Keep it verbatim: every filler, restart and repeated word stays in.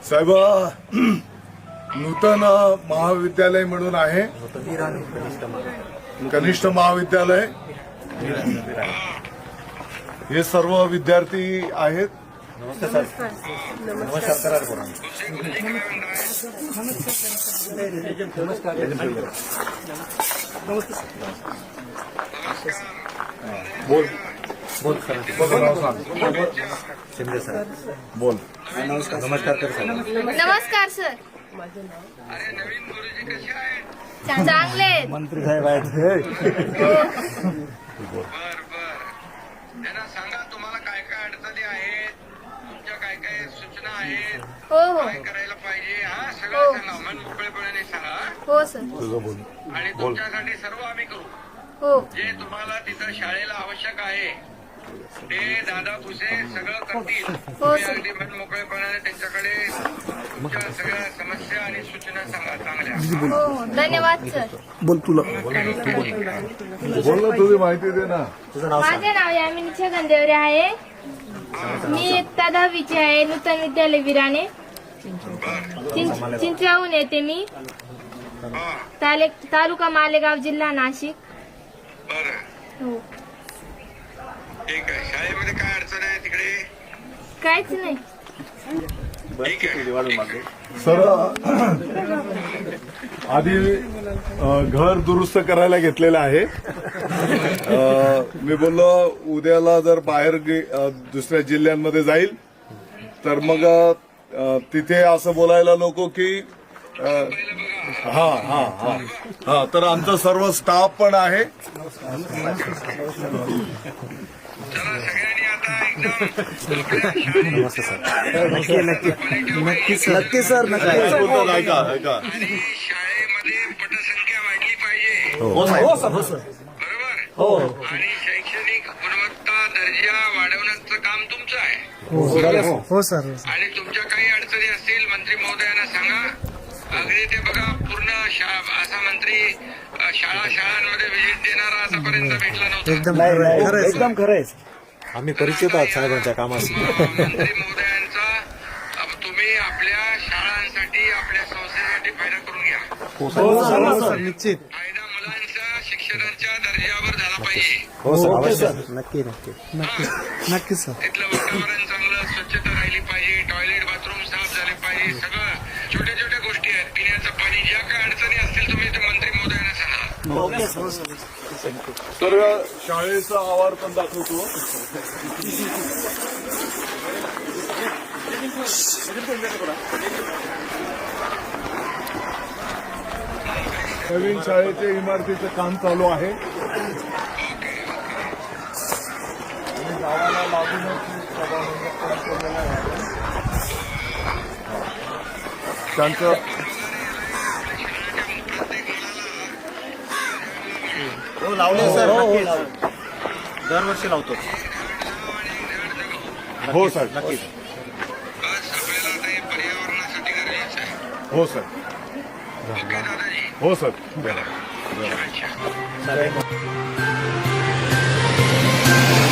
साहेब नूतन महाविद्यालय म्हणून आहे, कनिष्ठ महाविद्यालय. हे सर्व विद्यार्थी आहेत. नमस्कार सर. नमस्कार सर. नमस्कार. बोल बोल सर. शिंदे सर. बोल. नमस्कार. नमस्कार कर सर. नमस्कार सर. अरे नवीन गुरुजी कसे आहेत? चांगले आहेत. मंत्री साहेब आहेत. बर बर त्यांना सांगा तुम्हाला काय काय अडचणी आहेत, तुमच्या काय काय सूचना आहेत, हो हो काय करायला पाहिजे, हा हो. सगळं सांगा. मन मोकळेपणाने सांगा हो सर. तुझं बोल. आणि तुमच्यासाठी सर्व आम्ही करू. हो जे तुम्हाला तिथं शाळेला आवश्यक आहे ते दादा भुसे सगळं करतील. तुम्ही सर. अगदी मन मोकळेपणाने त्यांच्याकडे तुमच्या सगळ्या समस्या आणि सूचना सांगा चांगल्या. हो हो धन्यवाद सर. बोल तुला बोल ना, तुझी माहिती दे ना. तुझं नाव सांग. माझे नाव यामिनी छगन देवरे आहे. मी इयत्ता दहावीची आहे. नूतन विद्यालय विराणे. चिं- चिंचवाहून येते मी. हा ताले- तालुका मालेगाव, जिल्हा नाशिक. बरं हो ठीक आहे. शाळेमध्ये काय अडचण आहे तिकडे? काहीच नाही. ठीक आहे. सर आधी अ, घर दुरुस्त करायला घेतलेलं आहे. अ, मी बोललो उद्याला जर बाहेर गे- अ, दुसऱ्या जिल्ह्यांमध्ये जाईल तर मग अ, तिथे असं बोलायला नको की अ, हा हा हा हा तर आमचा सर्व स्टाफ पण आहे. चला सगळ्यांनी आता एकदम आपल्या नमस्ते सर. नक्की नक्की नक्की सर. नक्की सर. नक्की. बोलतो, ऐका ऐका आणि शाळेमध्ये पटसंख्या वाढली पाहिजे. हो सर. हो सर. बरोबर. हो आणि शैक्षणिक गुणवत्ता दर्जा वाढवण्याचं काम तुमचं आहे. हो सर. आणि तुमच्या काही अडचणी असतील मंत्री महोदयांना सांगा. अगदी ते बघा पूर्ण शा- असा मंत्री अ, शाळा शाळांमध्ये व्हिजिट देणारा आतापर्यंत भेटला नव्हता. एकदम खरं एकदम खरं आहे. आम्ही परिचित आहोत साहेबांच्या कामाशी. मंत्री महोदयांचा अ, तुम्ही आपल्या शाळांसाठी आपल्या संस्थेसाठी फायदा करून घ्या. हो सर. निश्चित. फायदा मुलांच्या शिक्षणाच्या दर्जावर झाला पाहिजे. हो सर. अवश्य. नक्की नक्की नक्की नक्की सर. तिथलं वातावरण चांगलं, स्वच्छता राहिली पाहिजे, टॉयलेट बाथरूम साफ झाले पाहिजे. सगळं छोट्या छोट्या गोष्टी आहेत. पिण्याचं पाणी, ज्या काय अडचणी असतील तुम्ही ते मंत्री महोदयांना सांगा. तर शाळेचा आवार पण दाखवतो. नवीन शाळेच्या इमारतीचं काम चालू आहे. आणि गावाला लागूनच सभामंडप पण केलेलं आहे. त्यांचं हो लावले सर. नक्की दरवर्षी लावतो. हो सर आज नक्की. आपल्याला आता हे पर्यावरणासाठी गरजेचं आहे. हो सर ओके दादाजी. हो सर. अच्छा. सर